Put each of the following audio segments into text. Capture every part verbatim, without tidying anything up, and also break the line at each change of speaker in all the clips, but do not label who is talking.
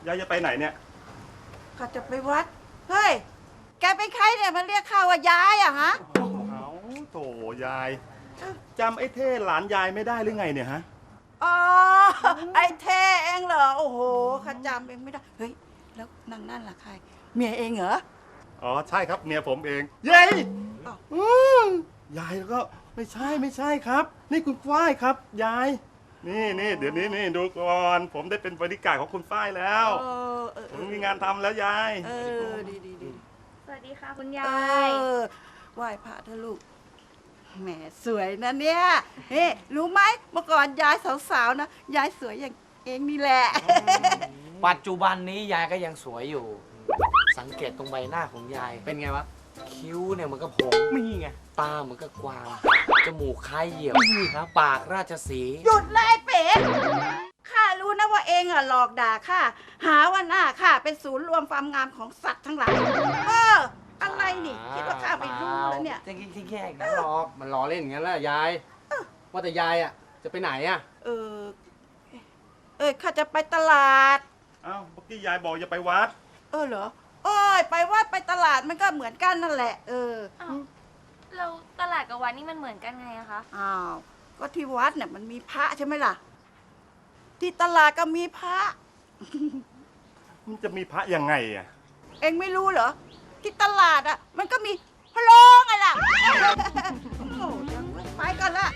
ยายจะไปไหนเนี่ย
ข้าจะไปวัดเฮ้ยแกเป็นใครเนี่ยมันเรียกข้าว่ายายอะฮะ
เอาโถยายจำไอ้เท่หลานยายไม่ได้หรือไงเนี่ยฮะ
อ๋อไอ้เท่เองเหรอโอ้โหข้าจำเองไม่ได้เฮ้ยแล้วนางนั่นล่ะใครเมียเองเหรอ
อ๋อใช่ครับเมียผมเองเย้ยายแล้วก็ไม่ใช่ไม่ใช่ครับนี่คุณฝ้ายครับยายนี่นี่เดี๋ยวนี้นี่ดูก่อนผมได้เป็นบริการของคุณฝ้ายแล้วผมมีงานทำแล้วยาย
เออดีดีดี
สวัสดีค่ะคุณยาย
เออไหว้พระเถอะลูกแหมสวยนะเนี่ยเฮ้รู้ไหมเมื่อก่อนยายสาวๆนะยายสวยอย่างเองนี่แหละ
ปัจจุบันนี้ยายก็ยังสวยอยู่สังเกตตรงใบหน้าของยายเป็นไงวะคิ้วเนี่ยมันก็ผมมีไงตามันก็กวางจมูกคล้ายเหยี่ยวนะปากราชสีห์
หยุดเลยเป๋ข้ารู้นะว่าเองอะหลอกด่าข้าหาว่าหน้าข้าเป็นศูนย์รวมความงามของสัตว์ทั้งหลายเอออะไรนี่คิดว่าข้าไม่รู้แล้วเนี่ย
จริงจริงแค่นั้นหรอกมันล้อเล่นอย่างนั้นแหละยายว่าแต่ยายอะจะไปไหนอะ
เออเออข้าจะไปตลาด
อ้าวเมื่อกี้ยายบอกจะไปวัด
เออเหรอโอ้ยไปวัดไปตลาดมันก็เหมือนกันนั่นแหละเออ
เราตลาดกับวัดนี่มันเหมือนกันไงอะคะ
อ้าวก็ที่วัดเนี่ยมันมีพระใช่ไหมล่ะที่ตลาดก็มีพระ
มันจะมีพระยังไงอ่ะ
เอ็งไม่รู้เหรอที่ตลาดอ่ะมันก็มีพะโลงไงล่ะโอ้โหยังไปกันละ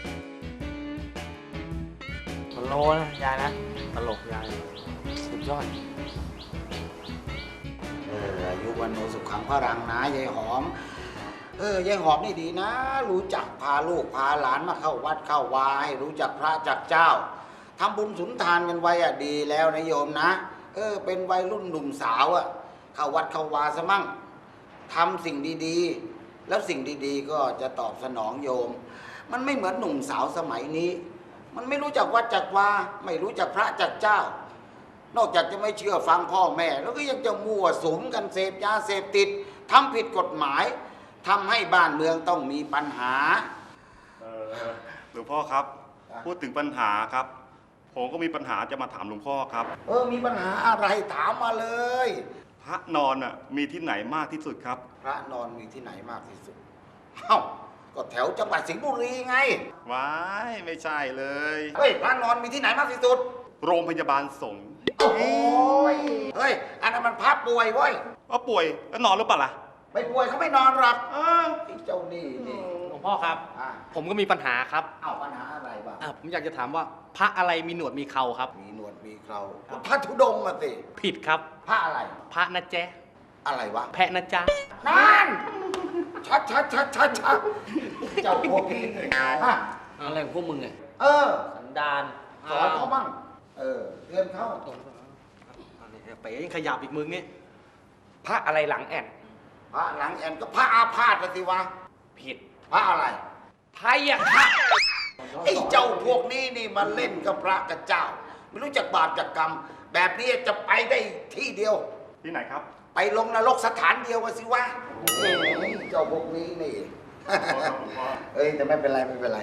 พะโลนะยายนะตลกยายสุดยอด
เอออายุวันโนสุขังพระรังนะยายหอมเออยายหอมนี่ดีนะรู้จักพาลูกพาหลานมาเข้าวัดเข้าวาให้รู้จักพระจักเจ้าทำบุญสุนทานกันไว้อะดีแล้วนะโยมนะเออเป็นวัยรุ่นหนุ่มสาวอะเข้าวัดเข้าวาซะมั่งทำสิ่งดีๆแล้วสิ่งดีๆก็จะตอบสนองโยมมันไม่เหมือนหนุ่มสาวสมัยนี้มันไม่รู้จักวัดจักวาไม่รู้จักพระจักเจ้านอกจากจะไม่เชื่อฟังพ่อแม่แล้วก็ยังจะมั่วสุมกันเสพยาเสพติดทำผิดกฎหมายทำให้บ้านเมืองต้องมีปัญหา
เออหลวงพ่อครับพูดถึงปัญหาครับผมก็มีปัญหาจะมาถามหลวงพ่อครับ
เออมีปัญหาอะไรถามมาเลย
พระนอนอ่ะมีที่ไหนมากที่สุดครับ
พระนอนมีที่ไหนมากที่สุดเอ้าก็แถวจังหวัดสิงห์บุรีไง
ว้ายไม่ใช่เลย
เฮ้ยพระนอนมีที่ไหนมากที่สุด
โรงพยาบาลสงฆ์
โอ้ยเฮ้ยอันนั้นมันพระป่วยเว้ย
ว่าป่วยแล้วนอนหรือเปล่าล่ะ
ไม่ป่วยเขาไม่นอนหรอกเออเจ้านี่นี่
หลวงพ่อครับผมก็มีปัญหาครับ
เอ้าปัญหาอะไรบ้าง
ผมอยากจะถามว่าพระอะไรมีหนวดมีเข่าครับ
มีหนวดมีเข่าพระธุดงค์อะสิ
ผิดครับ
พระอะไร
พระนะแจ๊
อะไรวะ
แพะนะจ๊ะ
นั่นชัดชัดชัดชัดชัดเจ้าพวกนี้ฮะ
อะไรของพวกมึงไง
เออ
สันดาน
สอนเขาบ้างเออเตือนเขา
ไปยังขยับอีกมึงนี่พระอะไรหลังแอน
พระหลังแอนก็พระอาพาธสิวะ
ผิด
พระอะไร
พยาค่ะ
ไอ้เจ้าพวกนี้นี่มันเล่นกับพระกับเจ้าไม่รู้จักบาปจักกรรมแบบนี้จะไปได้ที่เดียว
ที่ไหนครับ
ไปลงนรกสถานเดียวกันสิวะเจ้าพวกนี้นี่เอ้ยแต่ไม่เป็นไรไม่เป็นไร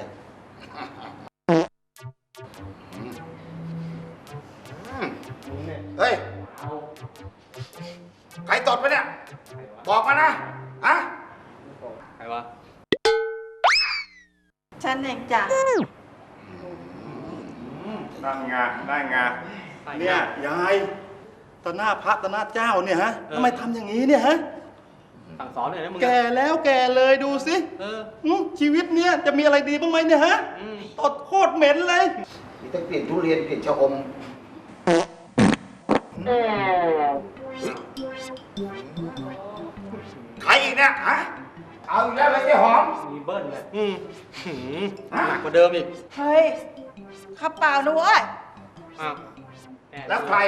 เฮ้ยใครตดไปเนี่ยบอกมานะฮะ
ใครวะ
ฉันเองจ้ะ
นั่งงานั่งงาเนี่ยยายต่อหน้าพระต่อหน้าเจ้าเนี่ยฮะทำไมทำอย่างนี้เนี่ยฮะ
สั่งสอนหน่อยนะมึง
แก่แล้วแก่เลยดูสิชีวิตเนี้ยจะมีอะไรดีบ้างไหมเนี่ยฮะตดโคตรเหม็นเลย
มีต้องเปลี่ยนทุเรียนเปลี่ยนชะอมใครอีกเนี่ยฮะเอาอีกแล้วเลยเจ๊หอม
มีเบิ้ลเลยอืมหนักกว่าเดิมอีก
เฮ้ยข้าเปล่านะเว้ย
อ้าว
แล้วใคร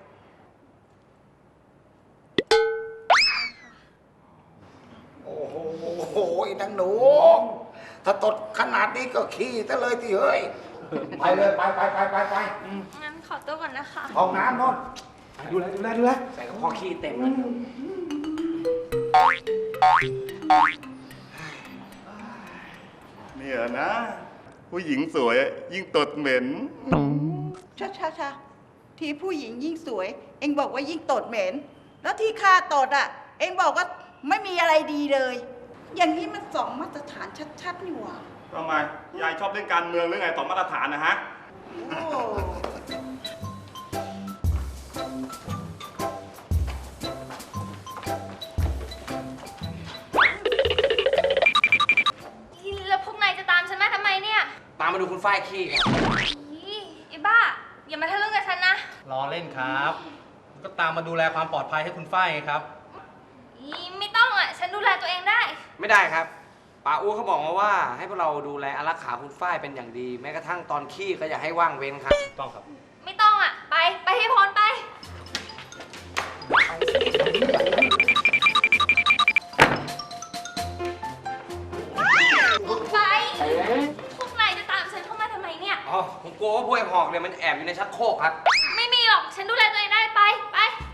โอ้โหโอ้ยนางหนูถ้าตดขนาดนี้ก็ขี้ซะเลยที่เฮ้ยไปเลยไปไปไปไปไป
งั้นขอตัวก่อนนะคะ
ห้องน้ำนอน
ดูแลดูแลดูแลใส่กระเพาะขี้เต็มเลย
เนี่ยนะผู้หญิงสวยยิ่งตดเหม็น
ช้าช้าช้าทีผู้หญิงยิ่งสวยเองบอกว่ายิ่งตดเหม็น แล้วที่ข้าตดอ่ะ เองบอกว่าไม่มีอะไรดีเลย อย่างนี้มันสองมาตรฐานชัดๆนี่หว่า
ทำไม ยายชอบเล่นการเมืองหรือไงต่อมาตรฐานนะฮะ
โอ้
แล้วพวกนายจะตามฉันมาทำไมเนี่ย
ตามมาดูคุณฝ้ายขี้ครับ
อีไอ้บ้า อย่ามาทะลึ่งกับฉันนะ
รอเล่นครับ ก็ตามมาดูแลความปลอดภัยให้คุณฝ้ายไงครับ
อีไม่ต้องอ่ะ ฉันดูแลตัวเองได้
ไม่ได้ครับป๋าอู้เขาบอกมาว่าให้พวกเราดูแลอารักขาคุณฝ้ายเป็นอย่างดี แม้กระทั่งตอนขี้ก็อย่าให้ว่างเว้นครับ
ต้องครับ
ไม่ต้องอ่ะ ไป ไปให้พ้นไป ไป พวกนายจะตามฉันเข้ามาทำไมเนี่ย
อ๋อ ผมกลัวว่าพวกไอ้หอกเนี่ยมันแอบอยู่ในชักโครกครับ
ไม่มีหรอก ฉันดูแลตัวเองได้ ไป ไป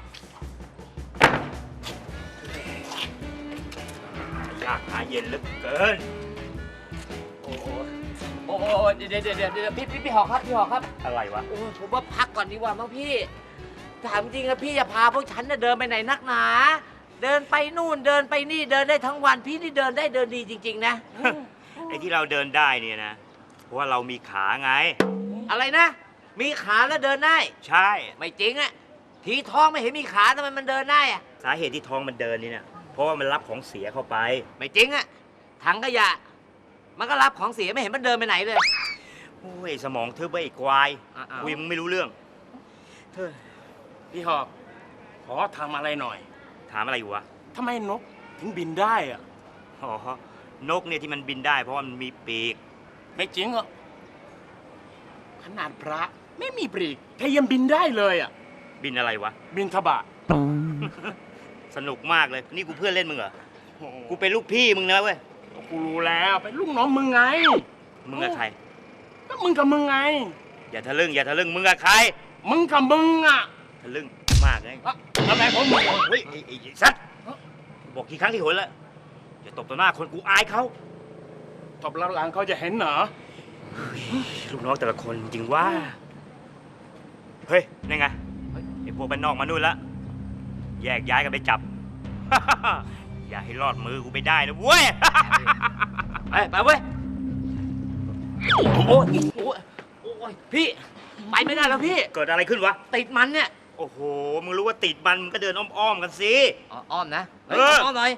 ยากหาเย็นเหลือเกิน
โอ้โหโอ้โหเดี๋ยวเดี๋ยวเดี๋ยวเดี๋ยวพี่พี่พี่หอกครับพี่หอกครับ
อะไรวะ
โอ้ผมว่าพักก่อนดีกว่ามั้งพี่ ถามจริงนะพี่อย่าพาพวกฉันน่ะเดินไปไหนนักหนา เดินไปนู่นเดินไปนี่เดินได้ทั้งวันพี่นี่เดินได้เดินดีจริง ๆ นะ
ไอ้ที่เราเดินได้เนี่ยนะ เพราะว่าเรามีขาไง
อะไรนะ มีขาแล้วเดินได้
ใช่
ไม่จริงอะทีท้องไม่เห็นมีขาทำไมมันเดินได้อะ
สาเหตุที่ท้องมันเดินนี่เนี่ยเพราะว่ามันรับของเสียเข้าไป
ไม่จริงอะถังขยะ มันก็รับของเสียไม่เห็นมันเดินไปไหนเลย
โอ้ยสมองทึบไปอีกควาย
อ่ะๆ
คุยมึงไม่รู้เรื่อง
พี่หอก ขอทำอะไรหน่อย
ถามอะไรอยู่วะ
ทำไมนกถึงบินได้อะ
อ๋อนกเนี่ยที่มันบินได้ เพราะว่ามันมีปีก
ไม่จริงหรอกขนาดพระไม่มีปลีกแค่ยังบินได้เลยอ่ะ
บินอะไรวะ
บินทบาท
สนุกมากเลย นี่กูเพื่อนเล่นมึงเหรอ กูเป็นลูกพี่มึงนะเว้ย
กูรู้แล้วเป็นลูกน้องมึงไง
มึงกับใคร
ก็มึงกับมึงไง
อย่าทะลึ่งอย่าทะลึ่งมึงกับใคร
มึงกับมึงอ่ะ
ทะลึ่งมากเลย
อะอะไรของมึง
เฮ้ยไอ้ไอ้สัตว์บอกกี่ครั้งกี่หนแล้วอย่าตบต่อหน้าคนกูอายเขา
ตบแล้วหลังเขาจะเห็นเหรอ
ลูกน้องแต่ละคนจริงว่า เฮ้ยนี่ไงไอ้พวกบ้านนอกมานู่นละแยกย้ายกันไปจับ อย่าให้รอดมือกูไปได้นะเว้ย
ไปไปเว้ย โอ้โหโอ้ยโอ้ยพี่ ไปไม่ได้แล้วพี่
เกิดอะไรขึ้นวะ
ติดมันเนี่ย
โอ้โห มึงรู้ว่าติดมันมึงก็เดินอ้อมๆกันสิ
อ๋ออ้อมนะ
เออ
อ้อมหน่อย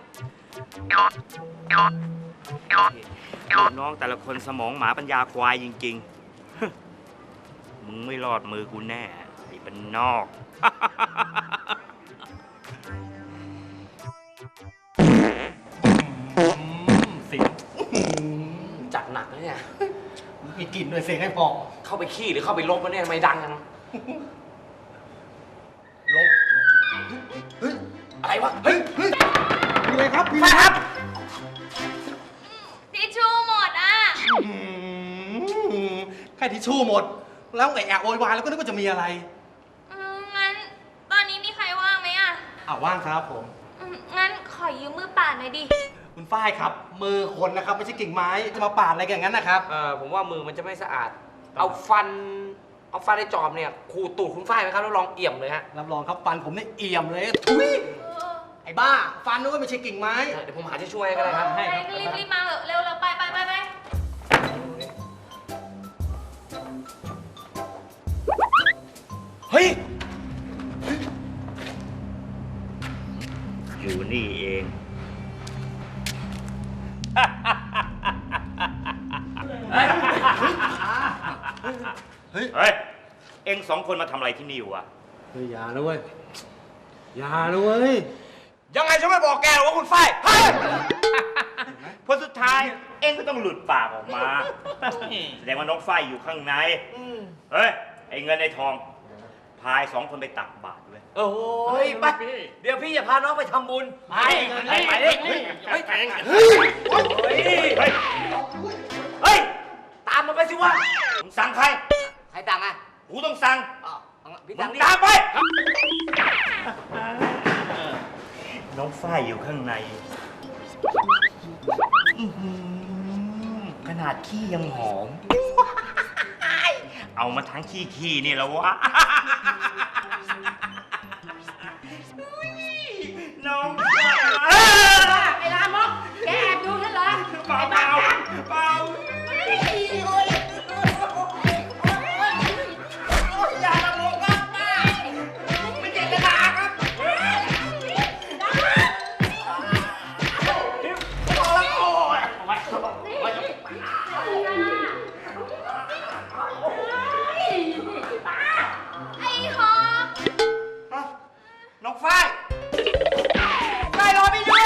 ลูกน้องแต่ละคนสมองหมาปัญญาควายจริงๆ มึงไม่รอดมือกูแน่ไอ้บ้านนอก
เสียง
จัดหนักนะเนี่ย
มีกลิ่นด้วยเสียงให้พอ
เข้าไปขี้หรือเข้าไปลบวะเนี่ยทำไมดังกัน
ลบ
อะไรวะ เฮ้ย
เฮ้ยมีอะไรครับมี
ไปครับ
ทิชชู่หมดอ่ะ
อืมแค่ทิชชู่หมด แล้วไอ้แอะโวยวายแล้วก็นึกว่าจะมีอะไร
อืมงั้น ตอนนี้มีใครว่างไหมอ่ะ
อ่าว่างครับผม
อืมงั้นขอยืมมือป่าหน่อยดิ
คุณฝ้ายครับ มือคนนะครับ ไม่ใช่กิ่งไม้ จะมาปาดอะไรกันอย่างนั้นนะครับ
เออผมว่ามือมันจะไม่สะอาด เอาฟัน เอาฟันในจอบเนี่ยขูดตูดคุณฝ้ายไหมครับแล้วลองเอี่ยมเลยฮะ
รับรองครับฟันผมเนี่ยเอี่ยมเลย ทุยไอ้บ้า ฟันนึกว่าไม่ใช่กิ่งไม้
เดี๋ยวผมหาที่ช่วยให้ก็ได้ครับ
ให้ครับ
รีบรีบมาเถอะเร็วเร็วไปไปไปไป
เฮ้ย
อยู่นี่เอง
เฮ้ย
เฮ้ย เอ็งสองคนมาทำอะไรที่นี่วะ
เฮ้ยอย่านะเว้ย อย่านะเว้ย
ยังไงฉันไม่บอกแกหรอกว่าคุณฝ้ายเฮ้ย
เพราะสุดท้ายเอ็งก็ต้องหลุดปากออกมา แสดงว่าน้องฝ้ายอยู่ข้างใน เฮ้ย ไอ้เงินไอ้ทอง พายสองคนไปตักบาตรเลย
โอ้ยไป เดี๋ยวพี่อย่าพาน้องไปทำบุญ ไปไปไปดิเฮ้ยเฮ้ย
เฮ้ย เฮ้ย เฮ้ย
ตามมันไปสิวะ
มึงสั่งใคร
ใครต่างอ่ะ
กูต้องสั่ง
อ๋อพี่
มึ
ต่าง
ง
นี่
ตามไป น้องฝ้ายอยู่ข้างในอื้อหือขนาดขี้ยังหอม เอามาทั้งขี้ขี้นี่แล้ววะน้อง
ไอ้ลามกแกแอบดูฉันเหรอ
เปล่าเปล่าเปล่า
อย่าละโมครับป้าไม่เจตนาครับ
ไอ้หอก
น้องฝ้าย
ไปรอพี่ด้วย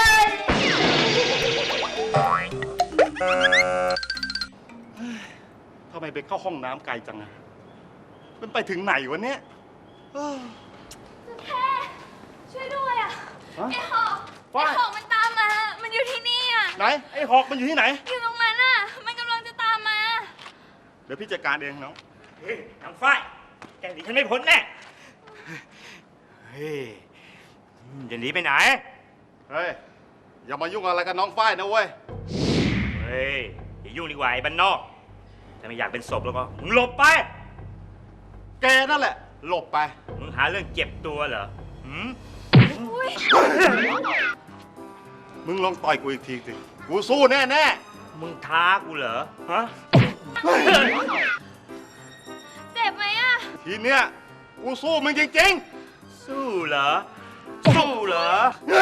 ทำไมไปเข้าห้องน้ำไกลจังอะมันไปถึงไหนวะเนี่ยเอ้อ
แค่ช่วยด้วยอ่ะ
ฮะ
ไอ้หอก
ฝ้าย
ไอ้หอกมันตามมา มันอยู่ที่นี่อ่ะ
ไหน ไอ้หอกมันอยู่ที่ไหน
อยู่ตรงนั้นอ่ะ มันกำลังจะตามมา
เดี๋ยวพี่จัดการเองน้อง
เฮ้ยน้องฝ้ายแกหนีฉันไม่พ้นแน่เฮ้ยจะหนีไปไหน
เฮ้ย อย่ามายุ่งอะไรกับน้องฝ้ายนะเว้ย
เฮ้ยอย่ายุ่งดีกว่าไอ้บ้านนอกถ้าไม่อยากเป็นศพแล้วก็มึงหลบไป
แกนั่นแหละ หลบไป
มึงหาเรื่องเจ็บตัวเหรอหืม
อุ้ย
มึงลองต่อยกูอีกทีสิ กูสู้แน่แน่
มึงท้ากูเหรอ ฮะ
เจ็บไหมอ่ะ
ๆทีเนี้ย กูสู้มึงจริง
สู้เหรอ สู้เหรอ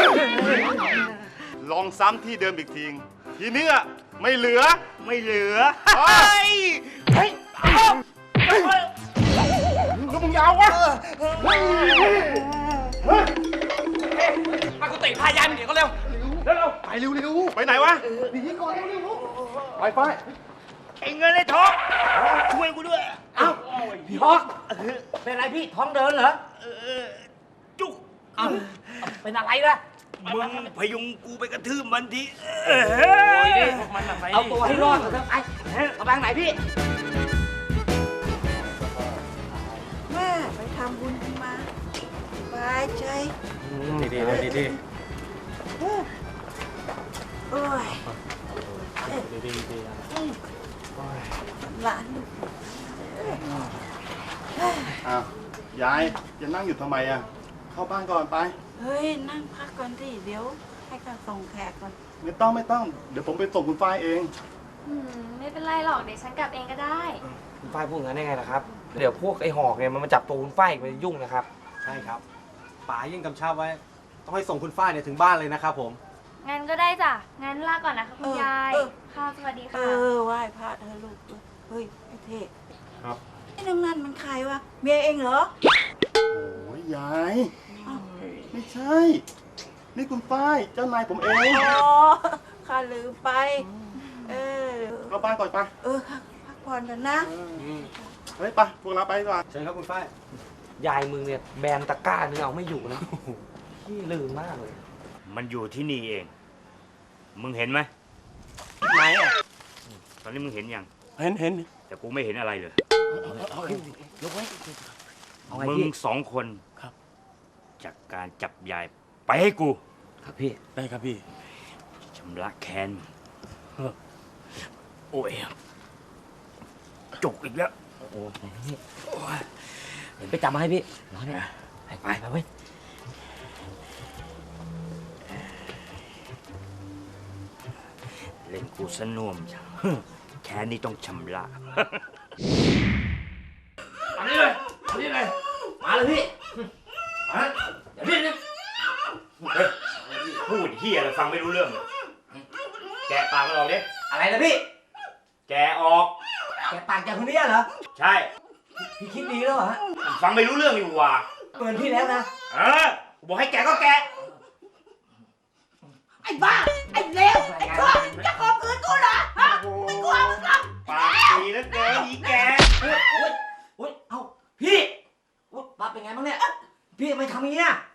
ๆ ลองซ้ำที่เดิมอีกทีทีเนี้ยไม่เหลือ
ไม่เหลือ
เฮ้ย
เฮ้ย
แล้วมึงยาววะ
มากุฏิพายายมันเดี๋ยวก็เร็ว
ไปเร็วๆ ไปไหนวะหนีก่อนเร็วๆไปไป
ไอ้เงินไอ้ทองช่วยกูด้วย
เอ้าพี่ฮอกเป็นอะไรพี่ท้องเดินเหรอ
เออจุก
เอ้าเป็นอะไรล่ะ
มึงพยุงกูไปกระทืบมันทีเอ
โอ้ย
อ
นี่เอาตัวให้รอดเถอะไปกำลังไหนพี่
แม่ไปทำบุญกันมาสบายใจ
ดีดีดีดี
เออโอ้ย
ดีดีดี
หลาน
อ้าว ยายจะนั่งอยู่ทำไมอ่ะ เข้าบ้านก่อนไป
เฮ้ย นั่งพักก่อนสิเดี๋ยวให้เขาส่งแขกก่อน
ไม่ต้องไม่ต้อง เดี๋ยวผมไปส่งคุณฝ้ายเอง
อืม ไม่เป็นไรหรอก เดี๋ยวฉันกลับเองก็ได้
คุณฝ้ายพูดงั้นได้ไงล่ะครับ เดี๋ยวพวกไอ้หอกเนี่ยมันมาจับตัวคุณฝ้ายมันยุ่งนะครับ
ใช่ครับป๋ายิ่งกำชับไว้ ต้องให้ส่งคุณฝ้ายเนี่ยถึงบ้านเลยนะครับผม
งั้นก็ได้จ้ะ งั้นลาก่อนนะคะคุณ
เออย
าย
เออ
ค่ะ สวัสดี
เอ
ค่ะ
อไหว้พระเธอะลูกเฮ้ยไอ้เท่
ครับ
ไอ้นางนั่นมันใครวะเมียเองเหรอ
โอ้ยยาย ไม่ใช่ นี่คุณฝ้าย เจ้านายผมเอง
อ๋อข้าลืมไป เออ
เข้าบ้านก่อนไป
เออค่ะพักผ่อนกันนะ
เฮ้ยไปพวกเราไปดีกว่า
เชิญครับคุณฝ้าย
ยายมึงเนี่ยแบนตะกร้านึงเอาไม่อยู่นะพี่ลืมมากเลย
มันอยู่ที่นี่เอง มึงเห็นไหม
ไหนอ่ะ
ตอนนี้มึงเห็นยัง
เห็นเห็น
แต่กูไม่เห็นอะไรเลย
ยกไว้เอาไง
มึง
พี่
สองคน
ครับ
จากการจับยายไปให้กู
ครับพี่
ได้ครับพี่
ชำระแค้นมึงโอ้ยจุกอีกแล้ว
โอ้โหนี่เดี๋ยวไปจับมาให้พี่รอเนี่ยไปไปไปเว้ย
เล่นกูสน่วมจังแค้นนี่ต้องชำระ
มานี่เลยมานี่เลยมาเลยพี่มาเดี๋ยวพี่นะ
เฮ้ยพูดเฮียอะไรฟังไม่รู้เรื่องเลยแกะปากมันออกดิ
อะไรนะพี่
แกะออก
แกปากจากคนนี้เหรอ
ใช่
พี่คิดดีแล้วเหรอฮะ
ฟังไม่รู้เรื่องอยู่ว่ะ
เตือนพี่แล้วนะ
เออกูบอกให้แกะก็แกะ
ไอ้บ้า ไอ้เลวไอ้ชั่วจะข่มขืนกูเหรอฮะไม่กลัวมึงหรอก
ปากดีแล้วเกินอีแก
โอ๊ยโอ๊ยโอ๊ยเอ้าพี่โอ๊ยปั๊บเป็นไงบ้างเนี่ย พี่ทำไมทำอย่างนี้อ่ะ